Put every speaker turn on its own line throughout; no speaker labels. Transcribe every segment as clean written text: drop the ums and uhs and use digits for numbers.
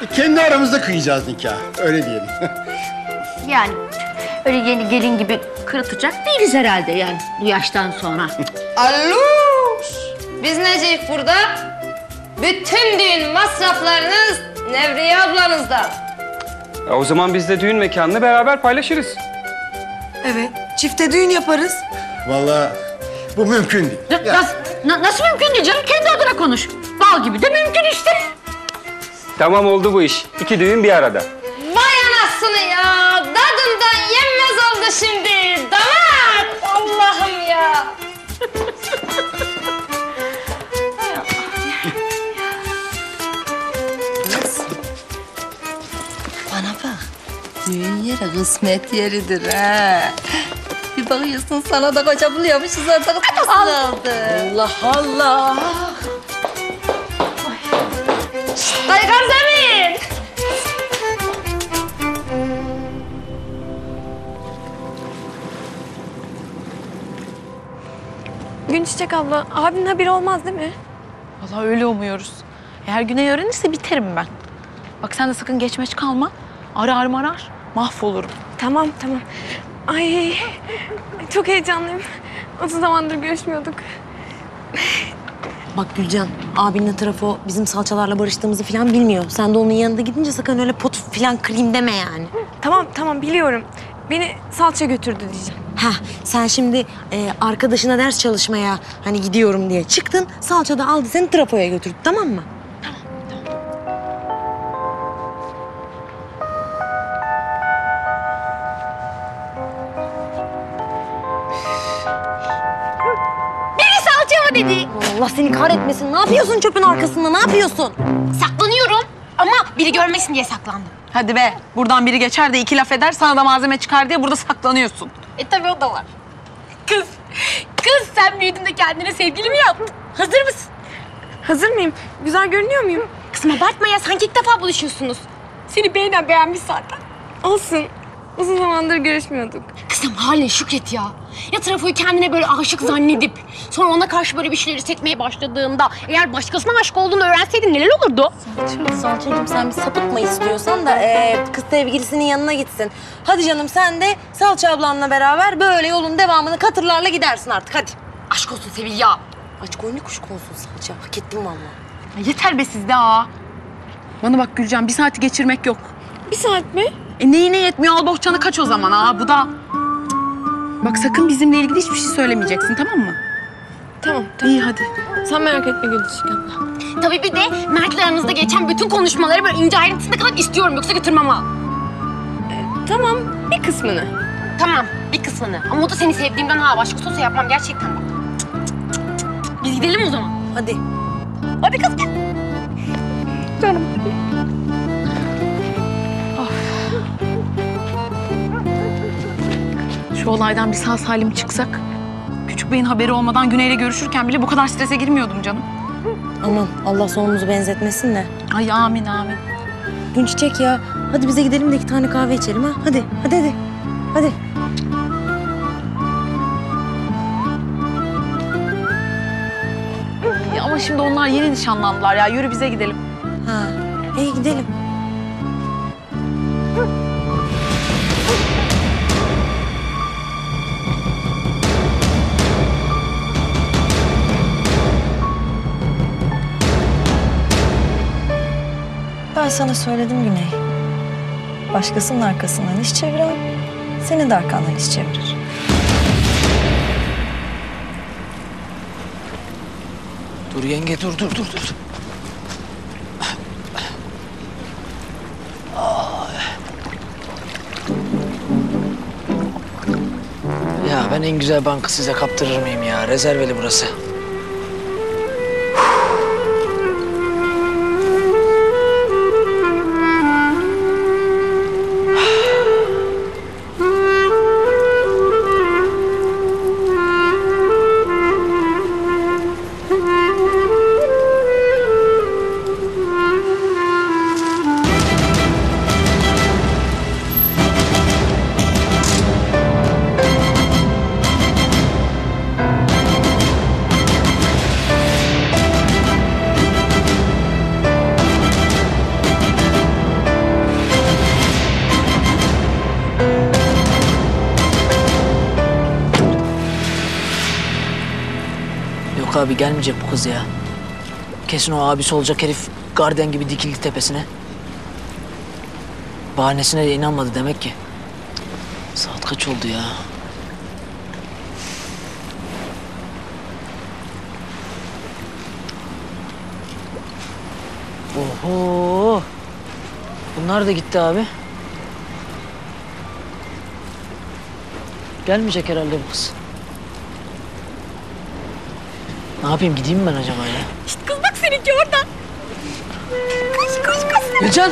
Kendi aramızda kıyacağız nikah. Öyle diyelim.
Yani öyle yeni gelin gibi kırıtacak değiliz herhalde yani bu yaştan sonra.
Alo! Biz neceyiz burada? Bütün düğün masraflarınız Nevriye ablanızdan.
O zaman biz de düğün mekanını beraber paylaşırız.
Evet, çifte düğün yaparız.
Vallahi bu mümkün değil.
Nasıl mümkün değil canım? Kendi adına konuş. Bal gibi de mümkün işte.
Tamam oldu bu iş. 2 düğün bir arada.
Vay anasını ya! Dadından yenmez oldu şimdi. Damat! Allah'ım ya!
Bana bak, düğün yeri kısmet yeridir ha. Bir bakıyorsun sana da koca buluyormuşuz orada kız oldu.
Allah Allah! Kaygan zemin!
Günçiçek abla, abinin haberi olmaz değil mi?
Vallahi öyle umuyoruz. Eğer Güney öğrenirse biterim ben. Bak sen de sakın geçmeç kalma. Arar. Mahvolurum.
Tamam. Ay, çok heyecanlıyım. Uzun zamandır görüşmüyorduk.
Bak Gülcan, abinle trafo bizim salçalarla barıştığımızı falan bilmiyor. Sen de onun yanında gidince sakın öyle pot falan kırayım deme yani.
Tamam biliyorum. Beni salça götürdü diyeceğim.
Ha, sen şimdi arkadaşına ders çalışmaya hani gidiyorum diye çıktın. Salça da aldı seni trafoya götürdü, tamam mı?
Salça mı dedi?
Allah seni kahretmesin. Ne yapıyorsun çöpün arkasında? Ne yapıyorsun?
Saklanıyorum ama biri görmesin diye saklandım.
Hadi be. Buradan biri geçer de 2 laf eder, sana da malzeme çıkar diye burada saklanıyorsun.
Tabii o da var. Kız sen büyüdün de kendine sevgili mi yaptın? Hazır mısın?
Hazır mıyım? Güzel görünüyor muyum?
Kızım abartma ya, sanki ilk defa buluşuyorsunuz. Seni beğenmiş zaten.
Olsun. Uzun zamandır görüşmüyorduk.
Kızım haline şükret ya. Ya trafoyu kendine böyle aşık zannedip sonra ona karşı böyle bir şeyleri hissetmeye başladığında eğer başkasına aşık olduğunu öğrenseydin neler olurdu?
Salçacığım sen bir sapıtma istiyorsan da kız sevgilisinin yanına gitsin. Hadi canım sen de Salça ablanla beraber böyle yolun devamını katırlarla gidersin artık hadi.
Aşk olsun Sevil ya.
Aç koyunu kuş konsun Salça. Hak ettin vallahi.
Ya yeter be sizde ha. Bana bak Gülcan, 1 saati geçirmek yok.
1 saat mi?
Neyine yetmiyor? Al bohçanı kaç o zaman ha. Bu da... Bak sakın bizimle ilgili hiçbir şey söylemeyeceksin, tamam mı?
Tamam.
İyi hadi.
Sen merak etme Günçiçek abla.
Tabii bir de Mert'le aranızda geçen bütün konuşmaları böyle ince ayrıntısına kadar istiyorum, yoksa götürmem ha.
Tamam, bir kısmını.
Tamam, bir kısmını. Ama o da seni sevdiğimden ha. Başkası olsa yapmam gerçekten bak. Biz gidelim o zaman.
Hadi.
Hadi kız gel.
Şu olaydan bir sağ salim çıksak... Küçük Bey'in haberi olmadan Güney'le görüşürken bile bu kadar strese girmiyordum canım.
Aman Allah sonumuzu benzetmesin de.
Ay amin.
Günçiçek ya. Hadi bize gidelim de 2 tane kahve içelim ha. Hadi. Hadi.
Ya ama şimdi onlar yeni nişanlandılar ya. Yürü bize gidelim.
Ha. İyi gidelim.
Ben sana söyledim Güney. Başkasının arkasından iş çeviren, senin de arkandan iş çevirir.
Dur yenge, dur. Ya ben en güzel bankı size kaptırır mıyım ya? Rezerveli burası. abi gelmeyecek bu kız ya. Kesin o abisi olacak herif garden gibi dikildi tepesine. Bahanesine de inanmadı demek ki. Saat kaç oldu ya? Oho! Bunlar da gitti abi. Gelmeyecek herhalde bu kız. Ne yapayım, gideyim mi ben acaba ya?
İşte kız bak seninki orada. Koş koş koş.
Gülcan!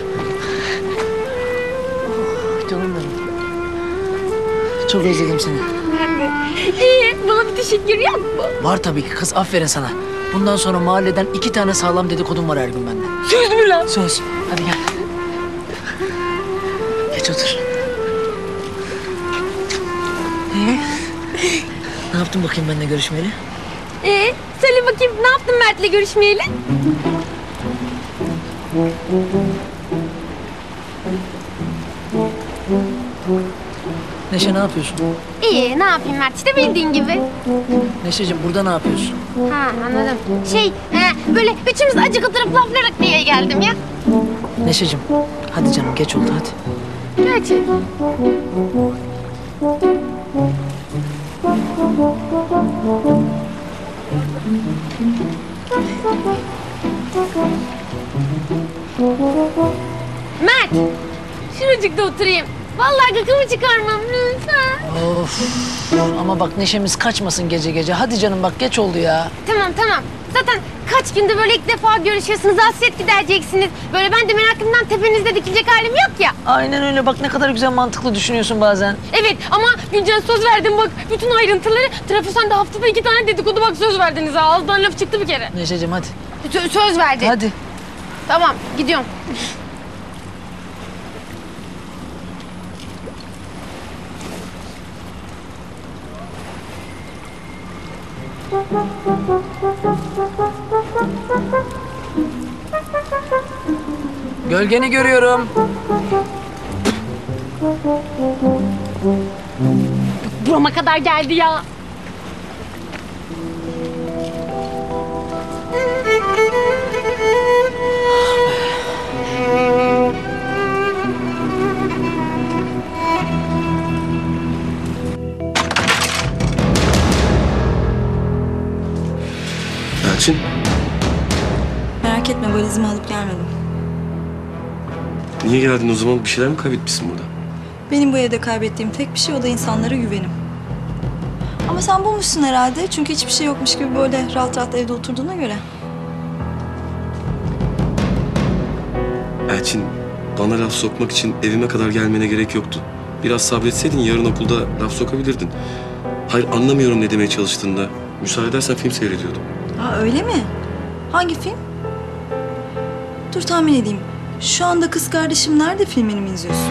Oh, canım benim. Çok özledim seni.
İyi, bana bir teşekkür yok mu?
Var tabii ki kız, aferin sana. Bundan sonra mahalleden 2 tane sağlam dedikodum var her gün bende.
Söz mü lan?
Söz. Hadi gel. Geç otur. Ne yaptın bakayım benimle görüşmeyeli?
Söyle bakayım ne yaptın Mert'le görüşmeyeli?
Neşe ne yapıyorsun?
İyi, ne yapayım Mert? İşte bildiğin gibi.
Neşeciğim burada ne yapıyorsun?
Ha, anladım. Böyle üçümüz acık oturup laflarak diye geldim ya.
Neşeciğim hadi canım geç oldu hadi.
Gerçi. Mert, şuracıkta oturayım. Vallahi gıkımı çıkarmam lütfen.
Of ama bak neşemiz kaçmasın gece gece. Hadi canım bak geç oldu ya.
Tamam tamam. Zaten kaç gündür böyle ilk defa görüşüyorsunuz, hasret gidereceksiniz. Böyle ben de merakımdan tepenizde dikilecek halim yok ya.
Aynen öyle, bak ne kadar güzel mantıklı düşünüyorsun bazen.
Evet ama Gülcan söz verdim bak bütün ayrıntıları. Trafosan'da haftada 2 tane dedikodu bak söz verdiniz ha. Ağızdan laf çıktı bir kere.
Neşeciğim hadi.
Söz verdi.
Hadi.
Tamam gidiyorum.
Gölgeni görüyorum.
Burama kadar geldi ya.
Elçin,
Merak etme, valizimi alıp gelmedim.
niye geldin o zaman? Bir şeyler mi kaybetmişsin burada?
Benim bu evde kaybettiğim tek bir şey, o da insanlara güvenim. Ama sen bulmuşsun herhalde. Çünkü hiçbir şey yokmuş gibi böyle rahat rahat evde oturduğuna göre.
Elçin, bana laf sokmak için evime kadar gelmene gerek yoktu. Biraz sabretseydin yarın okulda laf sokabilirdin. Hayır, anlamıyorum ne demeye çalıştığında. Müsaade edersen film seyrediyordum.
Ha öyle mi? Hangi film? Dur tahmin edeyim. Şu anda Kız Kardeşim Nerede filmini mi izliyorsun?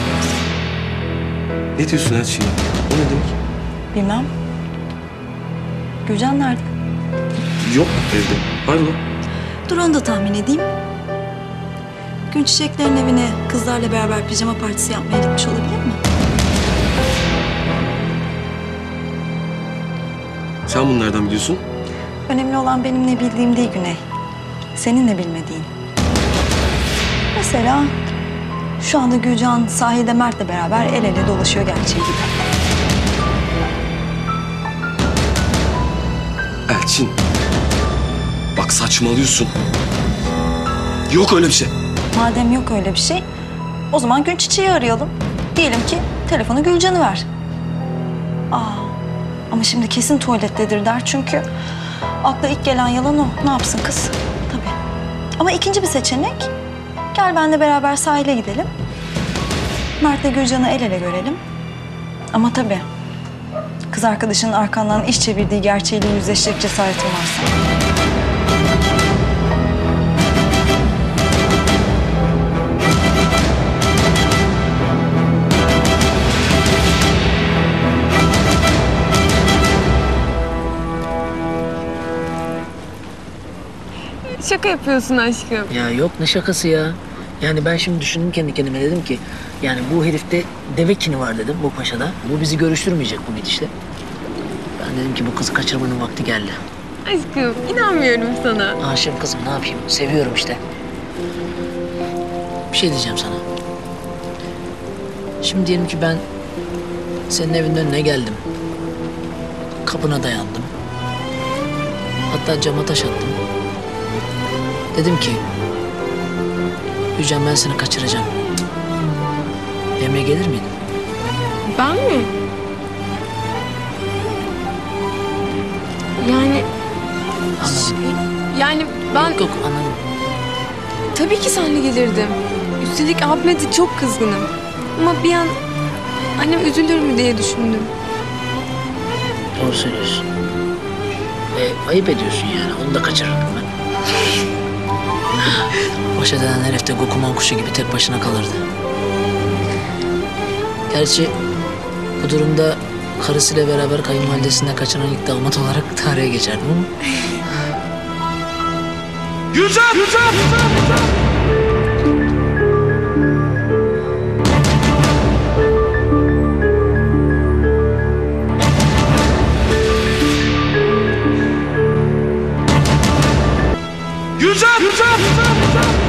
Ne diyorsun Elçin ya? O ne demek?
Bilmem. Gülcan nerede?
Yok evde. Hayrola?
Dur onu da tahmin edeyim. Gün Çiçekler'in evine kızlarla beraber pijama partisi yapmaya gitmiş olabilir mi?
Sen bunu nereden biliyorsun?
Önemli olan benim ne bildiğim değil Güney. Senin ne bilmediğin. Mesela şu anda Gülcan sahilde Mert'le beraber el ele dolaşıyor gerçeği gibi.
Elçin. Bak saçmalıyorsun. Yok öyle bir şey.
Madem yok öyle bir şey, o zaman Gün Çiçeği arayalım. Diyelim ki telefonu Gülcan'ı ver. Ama şimdi kesin tuvalettedir der çünkü akla ilk gelen yalan o. Ne yapsın kız? Tabii. Ama ikinci bir seçenek, gel benle beraber sahile gidelim. Mert'le Gülcan'ı el ele görelim. Ama tabii kız arkadaşının arkandan iş çevirdiği gerçeğiyle yüzleşecek cesaretin varsa.
Şaka yapıyorsun aşkım.
Ya yok ne şakası ya. Yani ben şimdi düşündüm kendi kendime, dedim ki yani bu herifte deve kini var dedim bu paşada. Bu bizi görüştürmeyecek bu gidişle. Ben dedim ki bu kızı kaçırmanın vakti geldi.
Aşkım inanmıyorum sana.
Aşığım kızım, ne yapayım? Seviyorum işte. Bir şey diyeceğim sana. Şimdi diyelim ki ben senin evinin önüne geldim. Kapına dayandım. Hatta cama taş attım. Dedim ki... Gülcan, ben seni kaçıracağım. Benimle gelir miydin?
Ben mi? Yani
Anladım.
ben
Yok anladım.
tabii ki seninle gelirdim. Üstelik abime de çok kızgınım. Ama bir an annem üzülür mü diye düşündüm.
Doğru söylüyorsun. Ayıp ediyorsun yani. Onu da kaçırırdım ben. Baş edilen herif de Gokuman kuşu gibi tek başına kalırdı. Gerçi bu durumda karısıyla beraber kayınvalidesinden kaçıran ilk damat olarak tarihe geçerdim ama...
Gülcan! Gülcan!